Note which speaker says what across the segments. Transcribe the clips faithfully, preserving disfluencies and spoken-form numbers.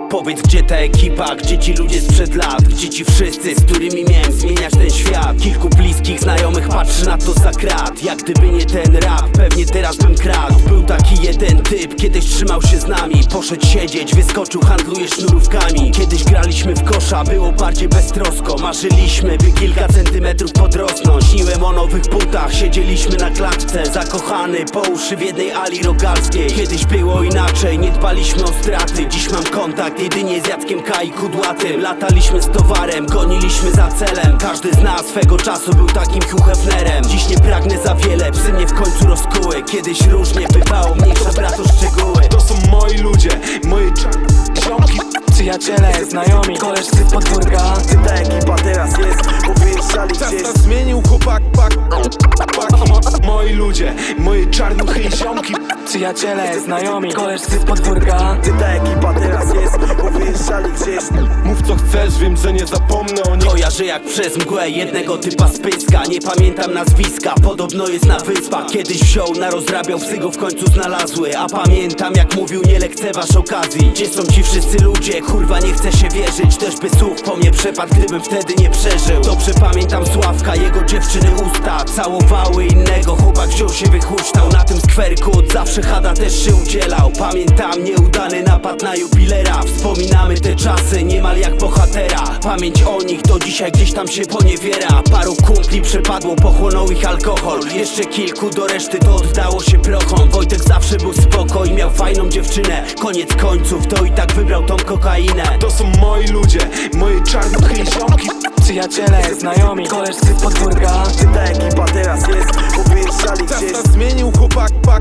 Speaker 1: Powiedz, gdzie ta ekipa, gdzie ci ludzie sprzed lat, gdzie ci wszyscy, z którymi miałem zmieniać ten świat. Kilku bliskich znajomych patrzy na to za krat. Jak gdyby nie ten rap, pewnie teraz bym kradł. Był taki jeden typ, kiedyś trzymał się z nami. Poszedł siedzieć, wyskoczył, handluje sznurówkami. Kiedyś graliśmy w kosza, było bardziej beztrosko. Marzyliśmy, by kilka centymetrów podrosnąć. Śniłem o nowych butach, siedzieliśmy na klatce. Zakochany po uszy w jednej ali rogalskiej. Kiedyś było inaczej, nie dbaliśmy o straty. Dziś mam kontakt jedynie z Jackiem K i Kudłatym. Lataliśmy z towarem, goniliśmy za celem. Każdy z nas swego czasu był takim Hugh Hefnerem. Dziś nie pragnę za wiele, psy mnie w końcu rozkuły. Kiedyś różnie bywało, mniejsza brato szczegóły.
Speaker 2: To są moi ludzie, moje ziomki,
Speaker 3: Przyjaciele, znajomi, koleżcy z podwórka.
Speaker 4: Gdy ta ekipa teraz jest, powyjeżdżali gdzieś.
Speaker 2: Czas zmienił chłopak, pak, pak. Moi ludzie, moje czarnuchy i ziomki.
Speaker 3: Przyjaciele, znajomi, koleżcy z podwórka.
Speaker 4: Gdy ta ekipa teraz jest, powyjeżdżali gdzieś.
Speaker 2: Mów co chcesz, wiem, że nie zapomnę o nich.
Speaker 1: Kojarzę jak przez mgłę jednego typa z Pyska. Nie pamiętam nazwiska, podobno jest na wyspach. Kiedyś wziął, narozrabiał, psy go w końcu znalazły. A pamiętam jak mówił, nie lekceważ okazji. Gdzie są ci wszyscy ludzie, kurwa nie chce się wierzyć. Też by słuch po mnie przepadł, gdybym wtedy nie przeżył. Dobrze pamiętam Sławka, jego dziewczyny usta całowały innego, chłopak wziął się wychuśtał. Na tym skwerku od zawsze Hada też się udzielał. Pamiętam nieudany napad na jubilera. Wspominamy te czasy niemal jak bohatera. Pamięć o nich do dzisiaj gdzieś tam się poniewiera. Paru kumpli przepadło, pochłonął ich alkohol. Jeszcze kilku do reszty to oddało się prochom. Wojtek zawsze był spoko i miał fajną dziewczynę. Koniec końców to i tak wybrał tą kokainę.
Speaker 2: To są moi ludzie, moje czarnuchy i ziomki.
Speaker 3: Przyjaciele, znajomi, koleżcy z podwórka.
Speaker 4: Gdy ta ekipa teraz jest, powyjeżdżali gdzieś.
Speaker 2: Czas zmienił chłopak, pak,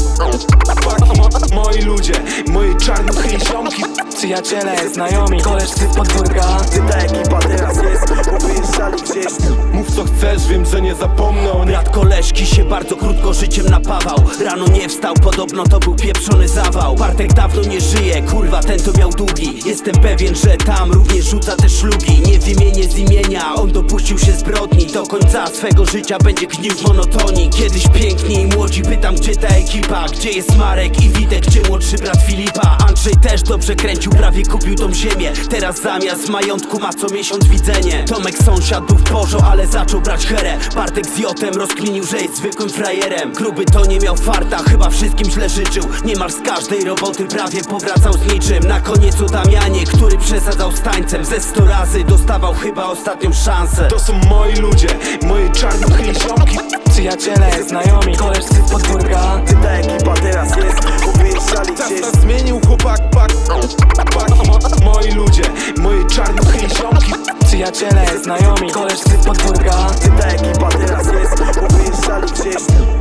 Speaker 2: pak. Moi ludzie, moje czarnuchy i ziomki.
Speaker 3: Przyjaciele, znajomi, koleżcy z podwórka.
Speaker 4: Gdy ta ekipa teraz jest, powyjeżdżali gdzieś.
Speaker 2: Mów co chcesz, wiem, że nie zapomnę o nich.
Speaker 1: Brat koleżki się bardzo krótko życiem napawał. Rano nie wstał, podobno to był pieprzony zawał. Bartek dawno nie żyje, kurwa ten to miał długi. Jestem pewien, że tam również rzuca te szlugi. Nie wymienię z imienia, on dopuścił się zbrodni. Do końca swego życia będzie gnił w monotonii. Kiedyś piękni i młodzi, pytam gdzie ta ekipa. Gdzie jest Marek i Witek, gdzie młodszy brat Filipa. Andrzej też dobrze kręcił, prawie kupił tą ziemię. Teraz zamiast majątku ma co miesiąc widzenie. Tomek sąsiad był w porzo, ale zaczął brać herę. Bartek z Jotem rozkminił, że jest zwykłym frajerem. Gruby to nie miał farta, chyba wszystkim źle życzył. Niemal z każdej roboty prawie powracał z niczym. Na koniec o Damianie, który przesadzał z tańcem. Ze sto razy dostawał chyba ostatnią szansę.
Speaker 2: To są moi ludzie, moje czarnuchy i ziomki.
Speaker 3: Przyjaciele, znajomi, koleżcy z podwórka.
Speaker 4: Gdy ta ekipa teraz jest, powyjeżdżali gdzieś.
Speaker 2: Czas zmienił chłopak, pak, pak. Moi ludzie, moje czarnuchy i ziomki.
Speaker 3: Przyjaciele, znajomi, koleżcy z podwórka.
Speaker 4: Gdy ta ekipa teraz jest, powyjeżdżali gdzieś.